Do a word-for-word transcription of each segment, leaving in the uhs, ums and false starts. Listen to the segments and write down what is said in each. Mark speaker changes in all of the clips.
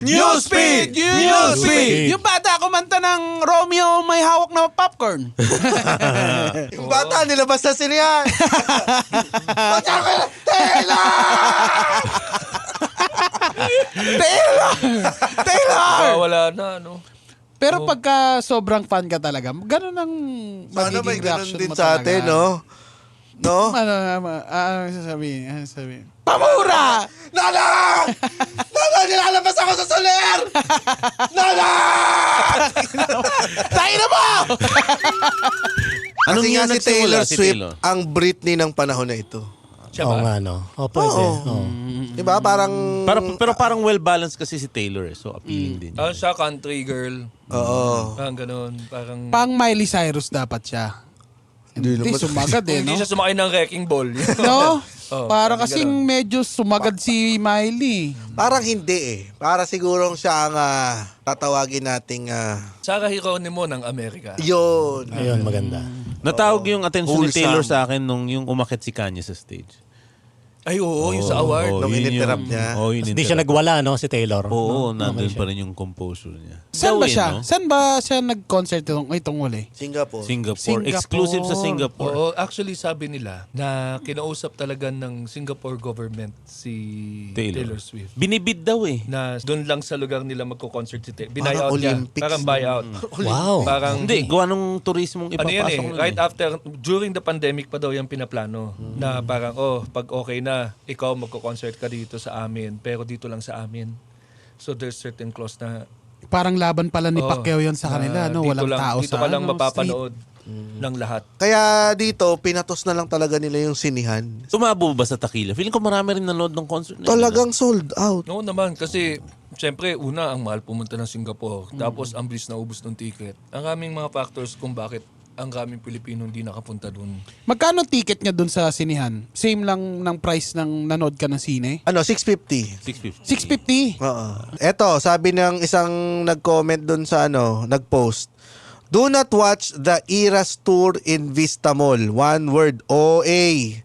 Speaker 1: Newsfeed! Newsfeed! Yung bata kumanta ng Romeo may hawak na popcorn.
Speaker 2: Yung bata nilabas na sila yan. Taylor!
Speaker 1: Taylor! Taylor!
Speaker 3: Ah, wala na, ano.
Speaker 1: Pero pagka sobrang fan ka talaga, ganun ang
Speaker 2: Sana
Speaker 1: magiging
Speaker 2: may ganun
Speaker 1: reaction
Speaker 2: din
Speaker 1: mo
Speaker 2: sa
Speaker 1: talaga.
Speaker 2: atin, no? No?
Speaker 1: Ano, ano, ano sasabihin? Ano sasabihin? Pamura!
Speaker 2: Nana! Nana, nilalabas ako sa soler! Nana!
Speaker 1: Tayo na mo!
Speaker 2: Kasi
Speaker 4: Anong
Speaker 2: nga
Speaker 4: year
Speaker 2: si
Speaker 4: nagsimula
Speaker 2: Taylor
Speaker 4: si
Speaker 2: Swift
Speaker 4: Taylor?
Speaker 2: ang Britney ng panahon na ito.
Speaker 3: Siya
Speaker 5: Oo
Speaker 3: ba?
Speaker 5: nga, no? O, pwede.
Speaker 2: Oo.
Speaker 5: Oo.
Speaker 2: Diba? Parang...
Speaker 4: Para, pero parang well-balanced kasi si Taylor eh. So appealing din.
Speaker 3: Ah, siya country girl.
Speaker 2: Oo.
Speaker 3: Parang ganun. Parang...
Speaker 1: Pang Miley Cyrus dapat siya.
Speaker 2: Hindi
Speaker 1: Hindi,
Speaker 2: naman.
Speaker 1: sumagad eh,
Speaker 3: Hindi
Speaker 1: no?
Speaker 3: siya sumakay ng wrecking ball.
Speaker 1: No?
Speaker 3: Oh,
Speaker 1: Para
Speaker 3: parang
Speaker 1: kasing
Speaker 3: ganun.
Speaker 1: medyo sumagad si Miley.
Speaker 2: Parang hindi eh. Para sigurong siya ang ah, tatawagin nating... ah,
Speaker 3: Sarah Geronimo ng Amerika.
Speaker 2: yun.
Speaker 5: Ayun, maganda.
Speaker 4: Natawag yung attention ni
Speaker 2: Wholesome.
Speaker 4: Taylor sa akin nung yung umakit si Kanye sa stage.
Speaker 3: Ay, oo, yung sa award.
Speaker 4: Oo,
Speaker 2: Nung
Speaker 4: yun
Speaker 2: ininterrupt
Speaker 4: yung-
Speaker 2: niya.
Speaker 4: Oo, yun
Speaker 5: Hindi siya
Speaker 4: interrupt.
Speaker 5: nagwala, no, si Taylor.
Speaker 4: Oo,
Speaker 5: No?
Speaker 4: nandun
Speaker 5: Okay
Speaker 4: pa
Speaker 5: siya.
Speaker 4: rin yung composure niya.
Speaker 1: Saan ba
Speaker 4: Gawin,
Speaker 1: siya?
Speaker 4: no?
Speaker 1: Saan ba siya nag-concert itong, itong uli?
Speaker 2: Singapore.
Speaker 4: Singapore.
Speaker 1: Singapore.
Speaker 4: Exclusive sa Singapore.
Speaker 3: Oo, actually sabi nila na kinausap talaga ng Singapore government si Taylor,
Speaker 4: Taylor.
Speaker 3: Swift.
Speaker 4: Binibid daw eh.
Speaker 3: Na doon lang sa lugar nila magko-concert si Taylor.
Speaker 2: Parang
Speaker 3: Buyout niya.
Speaker 2: Olympics.
Speaker 3: Parang buyout.
Speaker 5: Wow.
Speaker 3: Parang
Speaker 4: Hindi, gawa nung turismong
Speaker 3: ano
Speaker 4: ipapasok
Speaker 3: yan eh,
Speaker 4: nun
Speaker 3: right
Speaker 4: eh.
Speaker 3: after, during the pandemic pa daw yung pinaplano. Na parang, oh, pag okay na, ikaw magko-concert ka dito sa amin, pero dito lang sa amin. So there's certain clause na,
Speaker 1: Parang laban pala ni
Speaker 3: oh,
Speaker 1: Pacquiao yun sa kanila,
Speaker 3: na
Speaker 1: no?
Speaker 3: dito
Speaker 1: Walang
Speaker 3: lang,
Speaker 1: tao
Speaker 3: dito
Speaker 1: sa
Speaker 3: ka lang
Speaker 1: ano,
Speaker 3: mapapanood ng lahat.
Speaker 2: Kaya dito, pinatos na lang talaga nila yung sinihan.
Speaker 4: Sumabo ba sa Takila? Feeling ko marami rin nanood ng concert na yun,
Speaker 2: Talagang sold out.
Speaker 3: Oo naman, kasi siyempre, una, ang mahal pumunta ng Singapore. Tapos, ang bilis na ubos ng ticket. Ang raming mga factors kung bakit ang raming Pilipino hindi nakapunta dun.
Speaker 1: Magkano ticket niya dun sa sinihan? Same lang ng price ng nanood ka ng sine?
Speaker 2: Ano, six fifty.
Speaker 4: six fifty.
Speaker 1: six fifty.
Speaker 2: Oo. Eto, sabi ng isang nag-comment dun sa ano, nag-post. Do not watch the Eras Tour in Vista Mall. One word, O A.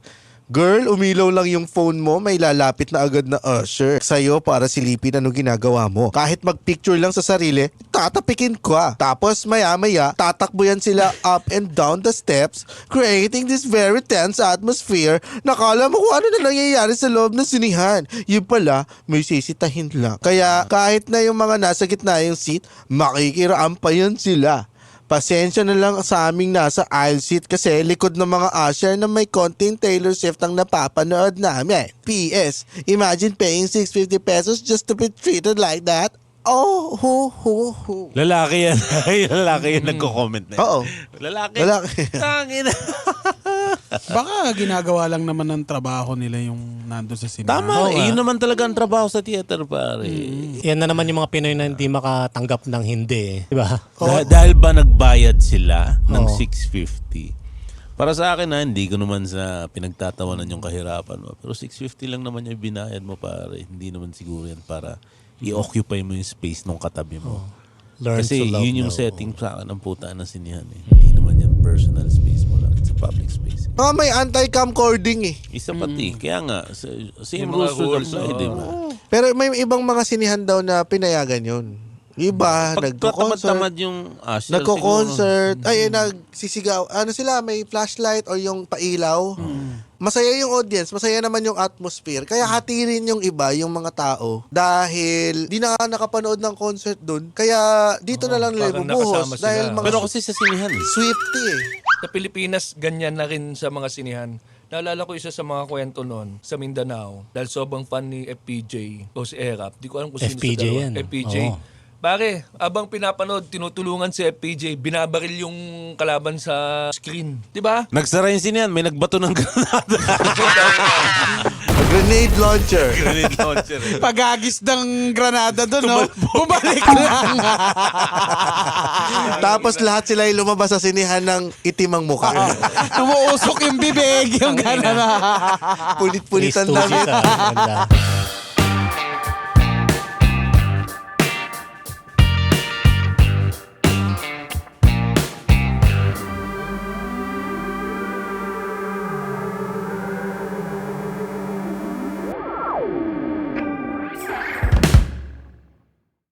Speaker 2: Girl, umilaw lang yung phone mo, may lalapit na agad na usher sa'yo para silipin ano ginagawa mo. Kahit magpicture lang sa sarili, tatapikin ka. Tapos maya-maya, tatakbo yan sila up and down the steps, creating this very tense atmosphere. Nakala mo kung ano na nangyayari sa loob ng sinihan. Yung pala, may sisitahin lang. Kaya kahit na yung mga nasa gitna yung seat, makikiraan pa yun sila. Pasensya na lang sa aming nasa aisle seat kasi likod ng mga usher na may konting Taylor Swift ang napapanood namin. P S. Imagine paying six hundred fifty pesos just to be treated like that. Oh, ho, ho, ho.
Speaker 4: Lalaki yan. Lalaki yan nagko-comment na yun.
Speaker 2: Oo.
Speaker 4: Lalaki.
Speaker 2: Lalaki.
Speaker 4: Tangin.
Speaker 1: Baka ginagawa lang naman ng trabaho nila yung nandun sa sinihan.
Speaker 4: Tama.
Speaker 5: Oo
Speaker 4: eh,
Speaker 5: nga.
Speaker 4: yun naman talaga ang trabaho sa theater, pare.
Speaker 5: Yan na naman yung mga Pinoy na hindi makatanggap ng hindi. eh. Di ba?
Speaker 4: Dah- dahil ba nagbayad sila ng
Speaker 5: Oo.
Speaker 4: six fifty? Para sa akin na hindi ko naman sa pinagtatawanan yung kahirapan mo. Pero six fifty lang naman yung binayad mo, pare. Hindi naman siguro yan para i-occupy mo yung space ng katabi mo.
Speaker 5: Learn
Speaker 4: Kasi
Speaker 5: to love
Speaker 4: yun yung
Speaker 5: now.
Speaker 4: setting sa akin ng puta ng sinihan eh. Hindi naman yan personal space mo lang. It's a public space.
Speaker 2: Mga may anti-camcording eh.
Speaker 4: Isa pati. Kaya nga, sa- same
Speaker 3: Yung mga
Speaker 4: rules should
Speaker 3: rules,
Speaker 4: apply,
Speaker 3: oo.
Speaker 4: di ba?
Speaker 2: Pero may ibang mga sinihan daw na pinayagan yun. Iba,
Speaker 4: Pag
Speaker 2: nagko-concert.
Speaker 4: tamad yung usher,
Speaker 2: Nagko-concert. Ay, eh, nagsisigaw. Ano sila, may flashlight or yung pailaw. Masaya yung audience, masaya naman yung atmosphere. Kaya hati rin yung iba, yung mga tao. Dahil di na nakapanood ng concert dun. Kaya dito na lang nila
Speaker 3: parang
Speaker 2: ibubuhos.
Speaker 3: nakasama sila.
Speaker 2: Dahil mga
Speaker 4: Pero kasi sa sinihan eh.
Speaker 2: Swifty eh.
Speaker 3: Sa Pilipinas, ganyan na rin sa mga sinihan. Naalala ko isa sa mga kwento noon sa Mindanao dahil sobrang fan ni F P J o si Erap. Di ko alam kung sino
Speaker 5: F P J
Speaker 3: sa dalawa.
Speaker 5: yan.
Speaker 3: F P J.
Speaker 5: Oo.
Speaker 3: Pare, abang pinapanood, tinutulungan si F P J, binabaril yung kalaban sa screen. Di ba?
Speaker 4: Nagsara yung sinihan, may nagbato ng granada.
Speaker 2: Grenade launcher.
Speaker 4: Grenade launcher eh.
Speaker 1: Pagagis ng granada doon, no? Bumalik lang.
Speaker 2: Tapos lahat sila ay lumabas sa sinihan ng itimang mukha.
Speaker 1: Tumuusok yung bibig, yung gano'n.
Speaker 2: Pulit-pulitan
Speaker 5: Please,
Speaker 2: damit.
Speaker 5: Tusi, sa- ganda.